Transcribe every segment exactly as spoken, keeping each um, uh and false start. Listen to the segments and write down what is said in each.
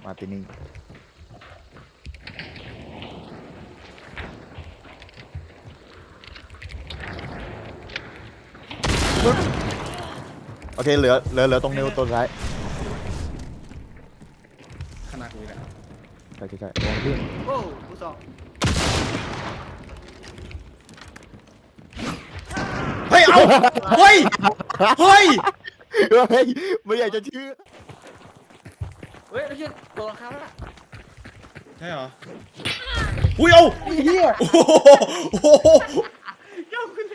มาร์ตินี่โอเคเหลือเหลือเหลือตรงนิ้วตัวซ้ายขนาดกูเลยใช่ใช่ใช่ตรงที่โอ้กูสองเฮ้ยเอาเฮ้ยเฮ้ยเฮ้ยไม่อยากจะเชื่อเฮ้ยไม่ใช่ตัวราคาแล้วล่ะใช่เหรออุ้ยเอาเฮียโอ้โหโอ้โหเจ้าคุณเลย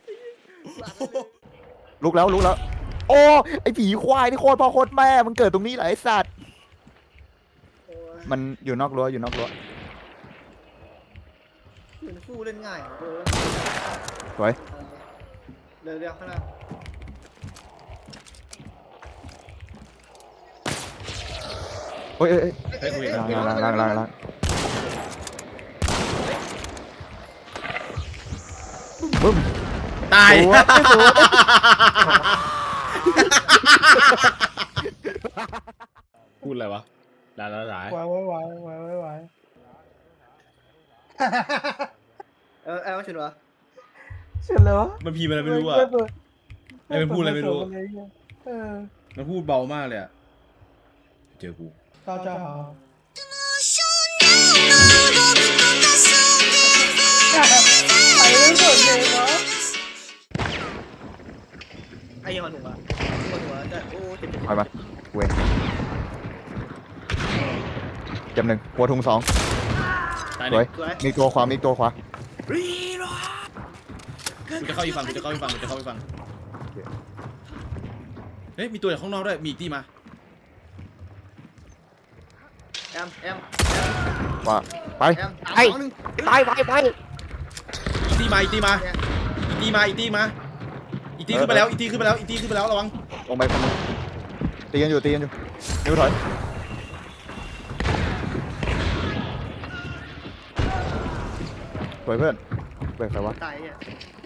ลุกแล้วลุกแล้วโอ้ไอผีควายนี่โคตรพ่อโคตรแม่มันเกิดตรงนี้เหรอไอสัตว์มันอยู่นอกรั้วอยู่นอกรั้วเหมือนฟูเล่นง่ายเออสวยเร็วเร็วข้างหน้าโอ้ยเอ้ยเอ้ยเฮ้ยคุยล้างล้างล้างล้างล้างบึ้มตายสวยสวยพูดอะไรวะด่าด่าด่าไว้ไว้ไว้ไว้ไว้ไว้เออแอลชุนวะเสร็จแล้วมันพีมันอะไรไม่รู้อ่ะ ไม่เป็นพูดอะไรไม่รู้เออมันพูดเบามากเลยอ่ะเจอกูเจ้าเจ้าหาไปเรื่องส่วนเลยเนาะไอ้ยังหันหัวหัวหัวจะโอ้เจ็บเจ็บไปมาเว้ยจำหนึ่งหัวทุงสองตายสเลวยยสวยมีตัวขวามีตัวขวารีโรกูจะเข้าอีกฝั่งกูจะเข้าอีกฝั่งกูจะเข้าอีกฝั่งเฮ้ยมีตัวจากข้างนอกด้วยมีอีกที่มาแอมแอมขวาไปแอมไปสามสองหนึ่งไปไปไปอีกที่มาอีกที่มาอีกที่มาอีกที่มาอีกที่ขึ้นไปแล้วอีกที่ขึ้นไปแล้วอีกที่ขึ้นไปแล้วระวังลงไปคนนึงตีกันอยู่ตีกันอยู่นิ้วถอยสวยเพื่อนเบรกใครวะตายเนี่ย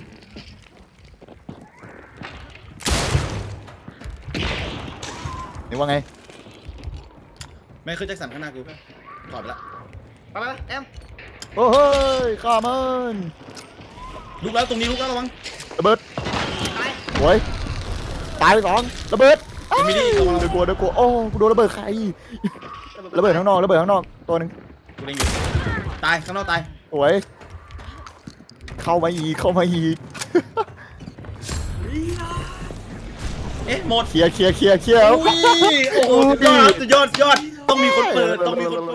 นี่ว่าไงแม่เคยแจ็คสันข้างหน้ากูถอดไปละไปไปแอมโอ้เฮ้ยข้ามันลุกแล้วตรงนี้ลุกแล้วระวังระเบิดตายสวยตายไปสองระเบิดเอมิลี่ระวังเดี๋ยวกลัวเดี๋ยวกลัวโอ้กูโดนระเบิดใครระเบิดข้างนอกระเบิดข้างนอกตัวหนึ่งกูเล็งอยู่ตายข้างนอกตายสวยเข้ามาอีกเข้ามาอีกเอ๊ะหมดเคลียร์เคลียร์เคลียร์เคลียร์อุ้ยโอ้โหสุดยอดสุดยอดสุดยอดต้องมีคนเปิดต้องมีคนเปิด